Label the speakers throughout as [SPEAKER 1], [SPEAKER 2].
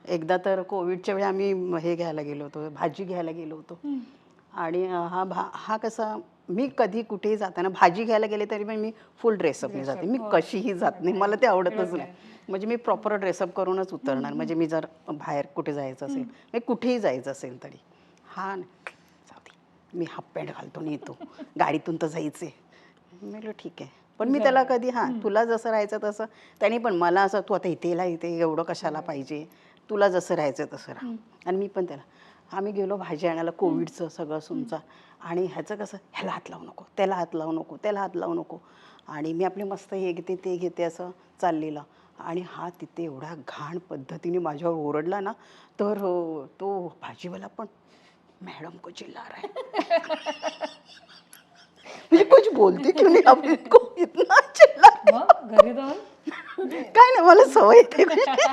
[SPEAKER 1] एकदा तर कोविडच्या वेळी आम्ही हे घ्यायला गेलो होतो, भाजी घ्यायला गेलो होतो. आणि हा कसा, मी कधी कुठेही जाताना भाजी घ्यायला गेले तरी पण मी फुल ड्रेसअपने जाते. मी कशीही जात नाही, मला ते आवडतच नाही. म्हणजे मी प्रॉपर ड्रेसअप करूनच उतरणार. म्हणजे मी जर बाहेर कुठे जायचं असेल, मी कुठेही जायचं असेल तरी हा जाऊ दे, मी हाफ पॅन्ट घालतो आणि येतो, गाडीतून तर जायचे. मी म्हटलं ठीक आहे. पण मी त्याला कधी तुला जसं राहायचं तसं, त्यांनी पण मला असं तू आता इथे एवढं कशाला पाहिजे, तुला जसं राहायचं तसं राहा. आणि मी पण त्याला, आम्ही गेलो भाजी आणायला, कोविडचं सगळं सुमचा. आणि ह्याचं कसं, ह्याला हात लावू नको, त्याला हात लावू नको, त्याला हात लावू नको. आणि मी आपले मस्त हे घेते ते घेते असं चाललेलं. आणि हा तिथे एवढ्या घाण पद्धतीने माझ्यावर ओरडला ना, तर तो भाजीवाला पण, मॅडम को चिल्ला रहा है. म्हणजे कुछ बोलते क्यों नहीं आप इनको, इतना चिल्ला.
[SPEAKER 2] मग घरी जाऊन
[SPEAKER 1] काय नाही, मला सवय येते.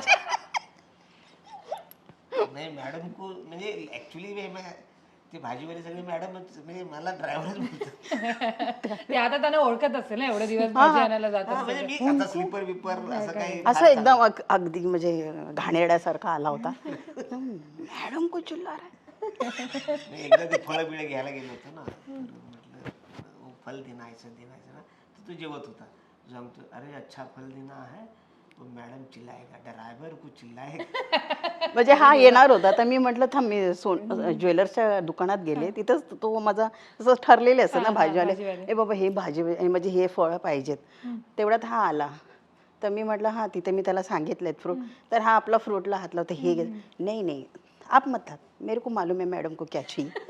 [SPEAKER 3] नाही मॅडम को म्हणजे ऍक्च्युली ते भाजीवाले सगळे मॅडम म्हणजे मला ड्रायव्हरच बोलतात.
[SPEAKER 2] ते आता त्यांना ओळखत असेल ना, एवढे दिवस भाजी आणायला जात
[SPEAKER 3] हा, म्हणजे मी आता स्लीपर बिपर असं काही
[SPEAKER 1] असं एकदम अगदी म्हणजे घाणेरड्यासारखा आला होता. मॅडम को चिल्ला रहा है.
[SPEAKER 3] मी एकदा ते फळं बिळं घ्यायला गेलो होतो ना, तर म्हटलं फल देना ऐसा ना, तर तो जेवत होता. सांगतो अरे अच्छा फल देना है, तो मॅडम चिल्लाएगा, ड्रायव्हर को चिल्लाएगा.
[SPEAKER 1] म्हणजे हा येणार होता, तर मी म्हटलं थांब, मी ज्वेलर्सच्या दुकानात गेले, तिथंच तो माझा असं ठरलेले असतं ना भाजीवाले, ए बाबा हे भाजी म्हणजे हे फळं पाहिजेत. तेवढ्यात हा आला, तर मी म्हटलं हां, तिथे मी त्याला सांगितलेत फ्रूट. तर हा आपला फ्रूटला हात लावतो, हे घे. नाही नाही आप मत हात, मेरे को मालूम है मॅडम को क्या चाहिए.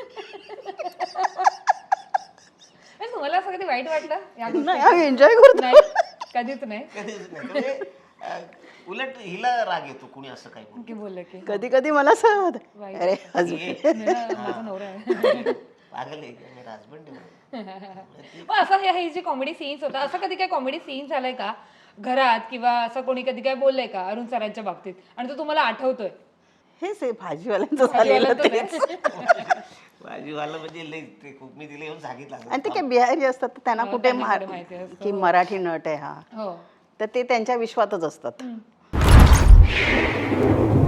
[SPEAKER 2] तुम्हाला असं कधी वाईट वाटलं या
[SPEAKER 1] नाही, आम्ही एन्जॉय करतो.
[SPEAKER 2] नाही, कधीच नाही.
[SPEAKER 3] कधीच नाही. म्हणजे उलट हिला राग येतो कुणी असं काही बोललं.
[SPEAKER 2] की बोललं की
[SPEAKER 1] कधी कधी मला असं होतं, अरे
[SPEAKER 2] माझा नवरा आहे.
[SPEAKER 3] पागल आहे का, मेरा हसबंड आहे.
[SPEAKER 2] पण असं हे जे कॉमेडी सीन्स होता, असं कधी काय कॉमेडी सीन झालाय का घरात, किंवा असं कोणी कधी काय बोललंय का अरुण सरांच्या बाबतीत आणि तो तुम्हाला आठवतोय?
[SPEAKER 1] हेच आहे भाजीवाल्यांचं झालेलं तेच.
[SPEAKER 3] भाजीवाला म्हणजे लई ते खूप मी तिला येऊन सांगितलं.
[SPEAKER 1] आणि ते काय बिहारी असतात, तर त्यांना कुठे
[SPEAKER 2] माहिती असतं.
[SPEAKER 1] की मराठी नट आहे हा,
[SPEAKER 2] हो,
[SPEAKER 1] तर ते त्यांच्या विश्वातच असतात.